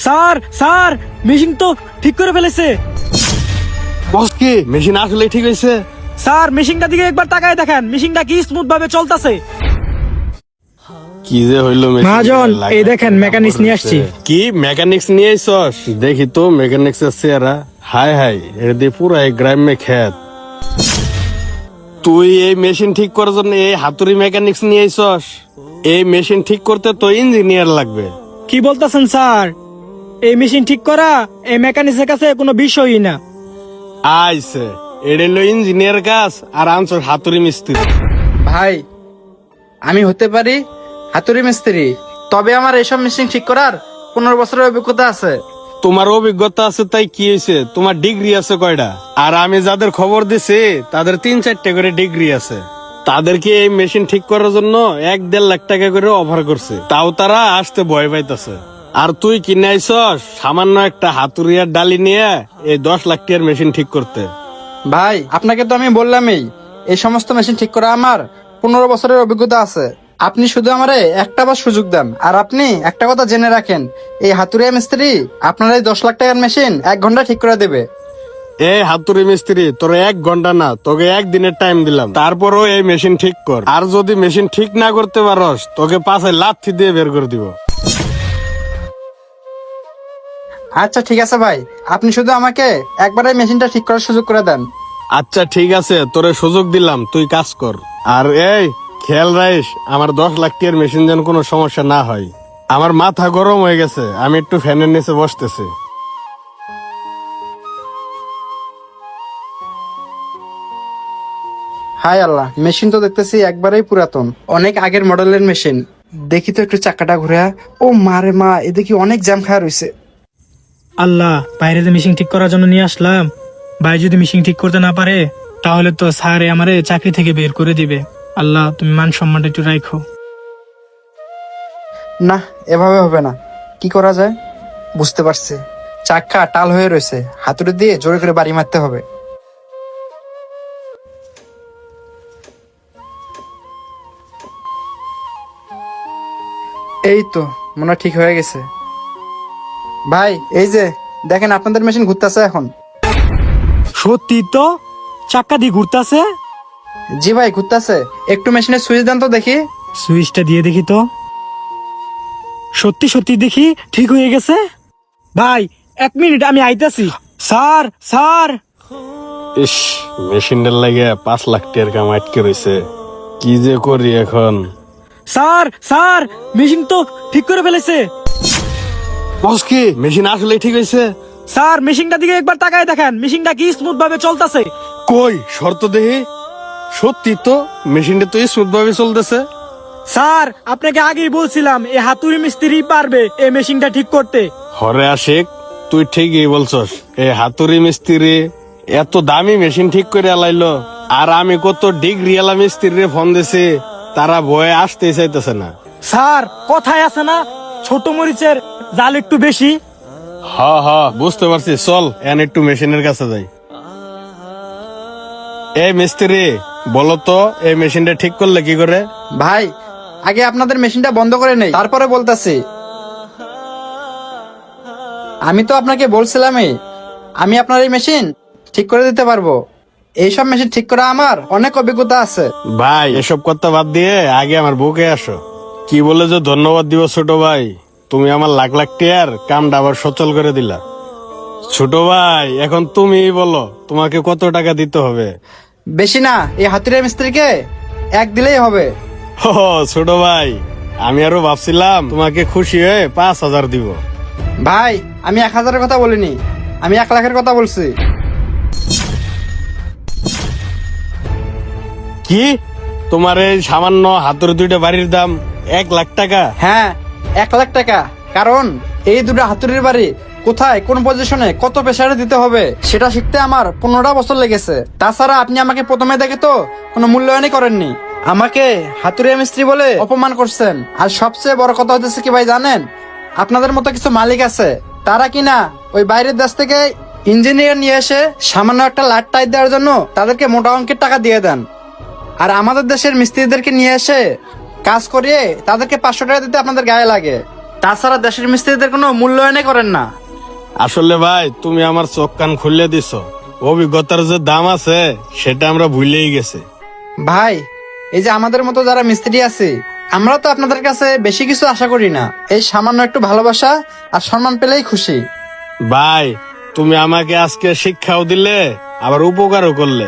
Sir sir machine তো ঠিক করে ফেলেছে। বস কি মেশিন আসলে ঠিক হয়েছে? স্যার মেশিনটা দিকে একবার তাকায় দেখেন, মেশিনটা কি স্মুথ ভাবে চলতেছে। কি যে হইলো মহাজন, এই দেখেন মেকানিক্স নিয়ে আসছি। কি মেকানিক্স নিয়ে আইছস? দেখি তো মেকানিক্স এর চেহারা। হাই হাই, এর দিয়ে পুরো এক গ্রামে খেত। তুই এই মেশিন ঠিক করার জন্য এই হাতুড়ি মেকানিক্স নিয়ে আইছস? এই মেশিন ঠিক করতে তো ইঞ্জিনিয়ার লাগবে। কি বলতেছেন স্যার? এই মেশিন ঠিক করা এই মেকানিক্সের কাছে কোনো বিষয়ই না। আইছে এটা হলো ইঞ্জিনিয়ার কাজ, আর আনছস হাতুড়ি মিস্ত্রি। ভাই, আমি হতে পারি হাতুড়ি মিস্ত্রি, তবে আমার এসব মেশিন ঠিক করার 15 বছরের অভিজ্ঞতা আছে। তোমার অভিজ্ঞতা আছে তাই কি হয়েছে? তোমার ডিগ্রি আছে কয়টা? আর আমি যাদের খবর দিছি তাদের 3-4টা করে ডিগ্রি আছে। তাদেরকে এই মেশিন ঠিক করার জন্য 1-1.5 লাখ টাকা করে অফার করছে, তাও তারা আসতে ভয় পাইতেছে। আর তুই কিনে আইছস সামান্য একটা হাতুড়িয়ার ডালি নিয়ে এই 10 লাখ টাকার মেশিন ঠিক করতে। ভাই, আপনাকে তো আমি বললামই এই সমস্ত মেশিন ঠিক করা আমার 15 বছরের অভিজ্ঞতা আছে। আপনি শুধু আমারে একটা বার সুযোগ দেন। আর আপনি একটা কথা জেনে রাখেন, এই হাতুড়িয়া মিস্ত্রি আপনার এই 10 লাখ টাকার মেশিন 1 ঘন্টা ঠিক করে দেবে। এই হাতুড়ি মিস্ত্রি, তোর 1 ঘন্টা না, তোকে 1 দিনের টাইম দিলাম, তারপরও এই মেশিন ঠিক কর। আর যদি মেশিন ঠিক না করতে পারস তোকে পাশে লাথি দিয়ে বের করে দিব। আচ্ছা ঠিক আছে ভাই, আপনি শুধু আমাকে একবার এই মেশিনটা ঠিক করার সুযোগ করে দেন। আচ্ছা ঠিক আছে, তোরে সুযোগ দিলাম, তুই কাজ কর। আর এই খেয়াল রাখিস আমার 10 লাখ টাকার মেশিন যেন কোনো সমস্যা না হয়। আমার মাথা গরম হয়ে গেছে, আমি একটু ফ্যানের নিচে বসতেছি। হায় আল্লাহ, মেশিন তো দেখতেছি একবারেই পুরাতন, অনেক আগের মডেলের মেশিন। দেখি তো একটু চাকাটা ঘুরে। ও মারে মা, এ দেখি অনেক জ্যাম খাওয়া রয়েছে। আল্লাহ, বাইরে যে মেশিন ঠিক করার জন্য নিয়ে আসলাম, ভাই যদি মেশিন ঠিক করতে না পারে তাহলে তো স্যার আমারে চাকরি থেকে বের করে দিবে। আল্লাহ, তুমি মান সম্মানটা একটু রাখো। না, এভাবে হবে না। কি করা যায় বুঝতে পারছি। চাকা টাল হয়ে রয়েছে, হাতুড়ি দিয়ে জোরে করে বাড়ি মারতে হবে। এই তো মনে হয় ঠিক হয়ে গেছে। ভাই, এই যে দেখেন আপনাদের মেশিন ঘুরতেছে এখন। সত্যি তো, চাক্কা দিয়ে ঘুরতেছে। জি ভাই, ঘুরতেছে। একটু মেশিনের সুইচ দেন তো দেখি। সুইচটা দিয়ে দেখি তো। সত্যি সত্যি দেখি ঠিক হয়ে গেছে। ভাই 1 মিনিট, আমি আইতাছি। Sir sir. ইস, মেশিনটার লাগে 5 লাখ টাকার কাম আটকে রয়েছে, কি যে করি এখন। স্যার স্যার, মেশিন তো ঠিক করে ফেলেছে। বস কি মেশিন আসলে ঠিক হয়েছে? স্যার মেশিনটা দিকে একবার তাকায় দেখেন, মেশিনটা কি স্মুথ ভাবে চলতেছে। কই শর্ত দেহি। সত্যি তো মেশিনটা তো স্মুথ ভাবে চলতেছে। স্যার আপনাকে আগেই বলছিলাম এই হাতুড়ি মিস্ত্রি পারবে এই মেশিনটা ঠিক করতে। হরে আশিক, তুই ঠিকই বলছস। এই হাতুড়ি মিস্ত্রি এত দামি মেশিন ঠিক করে আলাইলো, আর আমি কত ডিগ্রি এলা মিস্ত্রি ফোন দিছি, তারা ভয়ে আসতে চাইতেছে না। স্যার কথায় আছে না, ছোট মরিচের জাল একটু বেশি। হ হ, বুঝতে পারছি, চল এন একটু মেশিনের কাছে যাই। এই মিস্ত্রি, বলো তো এই মেশিনটা ঠিক করলে কি করে? ভাই, আগে আপনাদের মেশিনটা বন্ধ করে নেই, তারপরে বলতাছি। আমি তো আপনাকে বলছিলামই আমি আপনার এই মেশিন ঠিক করে দিতে পারবো। এইসব মেশিন ঠিক করা আমার অনেক অভিজ্ঞতা আছে। ভাই এসব কথা বাদ দিয়ে আগে আমার বুকে আসো। কি বলে যে ধন্যবাদ দিব ছোট ভাই, তুমি আমার লাখ লাখ টাকার কামটা আবার সচল করে দিলা। ছোট ভাই এখন তুমি বলো তোমাকে কত টাকা দিতে হবে? বেশি না, এই হাতুড়িয়া মিস্ত্রিকে 1 দিলেই হবে। ও ছোট ভাই, আমি আরো ভাবছিলাম তোমাকে খুশি হয়ে 5,000 দিব। ভাই, আমি 1,000-এর কথা বলিনি, আমি 1 লাখের কথা বলছি। কি, তোমার এই সামান্য হাতের 2টা বাড়ির দাম 1 লাখ টাকা? হ্যাঁ, 1 লাখ টাকা। কারণ এই দুটো হাতুড়ির বাড়ি কোথায়, কোন পজিশনে, কত প্রেসারে দিতে হবে সেটা শিখতে আমার 15টা বছর লেগেছে। তাছাড়া আপনি আমাকে প্রথমে দেখে তো কোনো মূল্যায়নই করেননি, আমাকে হাতুড়িয়া মিস্ত্রি বলে অপমান করছেন। আর সবচেয়ে বড় কথা হচ্ছে কি ভাই জানেন, আপনাদের মতো কিছু মালিক আছে, তারা কিনা ওই বাইরের দেশ থেকে ইঞ্জিনিয়ার নিয়ে এসে সামান্য একটা লাট টাইট দেওয়ার জন্য তাদেরকে মোটা অঙ্কের টাকা দিয়ে দেন। আর আমাদের দেশের মিস্ত্রিদেরকে নিয়ে এসে কাজ করিয়ে তাদেরকে 500 টাকা দিতে আপনাদের গায়ে লাগে। তাছাড়া দেশের মিস্ত্রিদের কোনো মূল্যায়নই করেন না। আসলে ভাই তুমি আমার চোখ কান খুলে দিছো, অভিজ্ঞতার যে দাম আছে সেটা আমরা ভুলেই গেছি। ভাই, এই যে আমাদের মতো যারা মিস্ত্রি আছে, আমরা তো আপনাদের কাছে বেশি কিছু আশা করি না, এই সামান্য একটু ভালোবাসা আর সম্মান পেলেই খুশি। ভাই তুমি আমাকে আজকে শিক্ষাও দিলে আবার উপকারও করলে।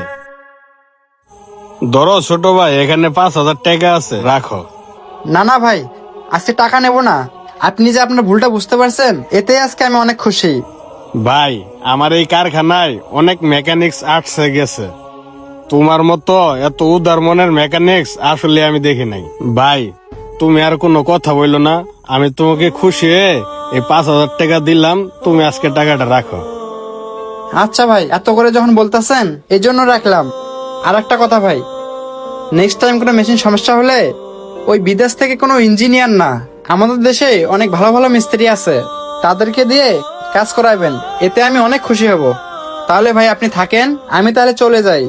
ধরো ছোট ভাই, এখানে 5,000 টাকা আছে, রাখো। না না ভাই, আজকে টাকা নেব না। আপনি যে আপনার ভুলটা বুঝতে পারছেন, এতে আজকে আমি অনেক খুশি। ভাই আমার এই কারখানায় অনেক মেকানিক্স আটসে গেছে, তোমার মতো এত উদার মনের মেকানিক্স আসলে আমি দেখি নাই। ভাই তুমি আর কোনো কথা বললো না, আমি তোমাকে খুশি হয়ে এই 5,000 টাকা দিলাম, তুমি আজকে টাকাটা রাখো। আচ্ছা ভাই, এত করে যখন বলতেছেন এই জন্য রাখলাম। আর একটা কথা ভাই, নেক্সট টাইম কোনো মেশিন সমস্যা হলে ওই বিদেশ থেকে কোনো ইঞ্জিনিয়ার না, আমাদের দেশে অনেক ভালো ভালো মিস্ত্রি আছে, তাদেরকে দিয়ে কাজ করাবেন, এতে আমি অনেক খুশি হব। তাহলে ভাই আপনি থাকেন, আমি তাহলে চলে যাই।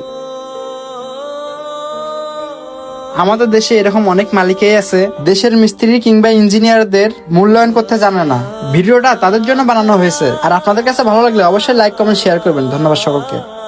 আমাদের দেশে এরকম অনেক মালিকই আছে, দেশের মিস্ত্রি কিংবা ইঞ্জিনিয়ারদের মূল্যায়ন করতে জানে না। ভিডিওটা তাদের জন্য বানানো হয়েছে, আর আপনাদের কাছে ভালো লাগলে অবশ্যই লাইক কমেন্ট শেয়ার করবেন। ধন্যবাদ সকলকে।